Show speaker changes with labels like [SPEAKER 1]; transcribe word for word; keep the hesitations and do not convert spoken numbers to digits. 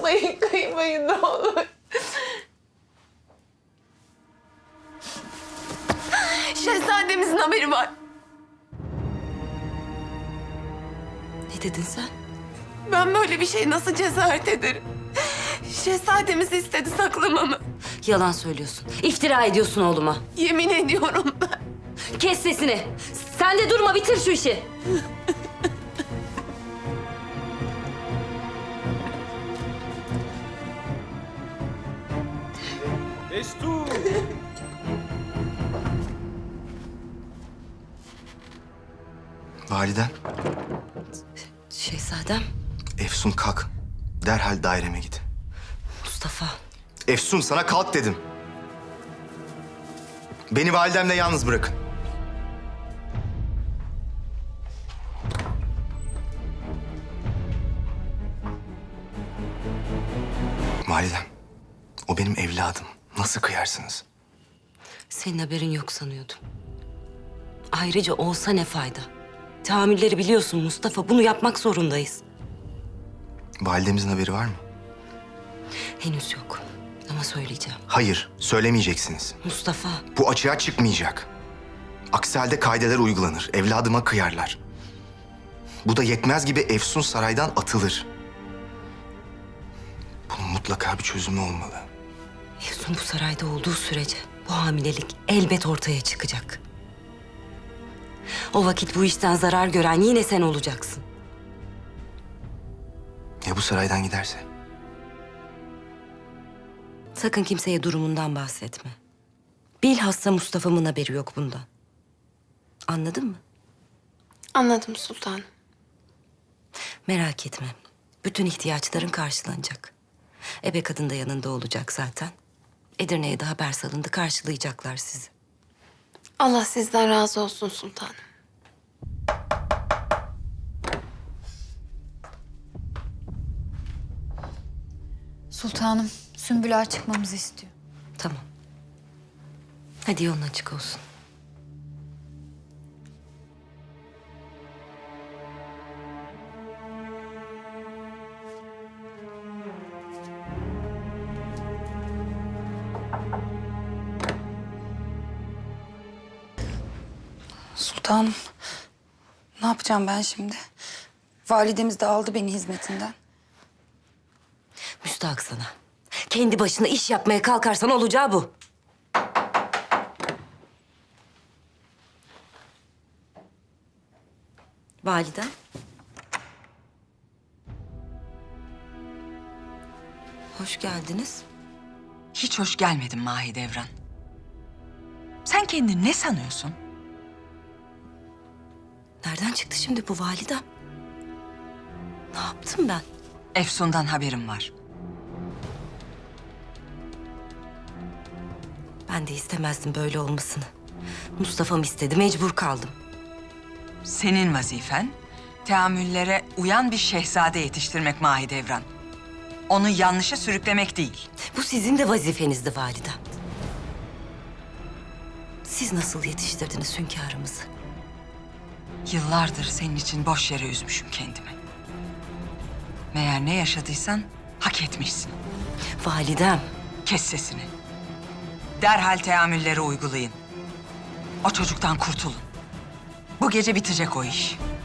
[SPEAKER 1] Kıymayın, kıymayın ne olur. Şehzademizin haberi var.
[SPEAKER 2] Ne dedin sen?
[SPEAKER 1] Ben böyle bir şey nasıl cesaret ederim? Şehzademiz istedi saklamamı.
[SPEAKER 2] Yalan söylüyorsun. İftira ediyorsun oğluma.
[SPEAKER 1] Yemin ediyorum ben.
[SPEAKER 2] Kes sesini. Sen de durma, bitir şu işi.
[SPEAKER 3] Destur!
[SPEAKER 4] Validem,
[SPEAKER 2] Şehzadem,
[SPEAKER 4] Efsun kalk. Derhal daireme git.
[SPEAKER 2] Mustafa.
[SPEAKER 4] Efsun sana kalk dedim. Beni validemle yalnız bırakın. Validem, o benim evladım. Nasıl kıyarsınız?
[SPEAKER 2] Senin haberin yok sanıyordum. Ayrıca olsa ne fayda? Tahammülleri biliyorsun Mustafa. Bunu yapmak zorundayız.
[SPEAKER 4] Validemizin haberi var mı?
[SPEAKER 2] Henüz yok. Ama söyleyeceğim.
[SPEAKER 4] Hayır, söylemeyeceksiniz.
[SPEAKER 2] Mustafa,
[SPEAKER 4] Bu açığa çıkmayacak. Aksi halde kaideler uygulanır. Evladıma kıyarlar. Bu da yetmez gibi Efsun saraydan atılır. Bunun mutlaka bir çözümü olmalı.
[SPEAKER 2] Efsun bu sarayda olduğu sürece bu hamilelik elbet ortaya çıkacak. O vakit bu işten zarar gören yine sen olacaksın.
[SPEAKER 4] Ya bu saraydan giderse?
[SPEAKER 2] Sakın kimseye durumundan bahsetme. Bilhassa Mustafa'mın haberi yok bundan. Anladın mı?
[SPEAKER 1] Anladım sultanım.
[SPEAKER 2] Merak etme. Bütün ihtiyaçların karşılanacak. Ebe kadın da yanında olacak zaten. Edirne'ye de haber salındı. Karşılayacaklar sizi.
[SPEAKER 1] Allah sizden razı olsun sultanım.
[SPEAKER 5] Sultanım, Sümbül Ağa çıkmamızı istiyor.
[SPEAKER 2] Tamam. Hadi yolun açık olsun.
[SPEAKER 5] Sultanım, ne yapacağım ben şimdi? Validemiz de aldı beni hizmetinden.
[SPEAKER 2] Müstahak sana. Kendi başına iş yapmaya kalkarsan olacağı bu. Validem. Hoş geldiniz.
[SPEAKER 6] Hiç hoş gelmedin Mahidevran. Sen kendini ne sanıyorsun?
[SPEAKER 2] Nereden çıktı şimdi bu validem? Ne yaptım ben?
[SPEAKER 6] Efsun'dan haberim var.
[SPEAKER 2] Ben de istemezdim böyle olmasını. Mustafa'm istedi, mecbur kaldım.
[SPEAKER 6] Senin vazifen teamüllere uyan bir şehzade yetiştirmek Mahidevran. Onu yanlışa sürüklemek değil.
[SPEAKER 2] Bu sizin de vazifenizdi validem. Siz nasıl yetiştirdiniz hünkârımızı?
[SPEAKER 6] Yıllardır senin için boş yere üzmüşüm kendimi. Meğer ne yaşadıysan hak etmişsin.
[SPEAKER 2] Validem,
[SPEAKER 6] Kes sesini. Derhal teamülleri uygulayın. O çocuktan kurtulun. Bu gece bitecek o iş.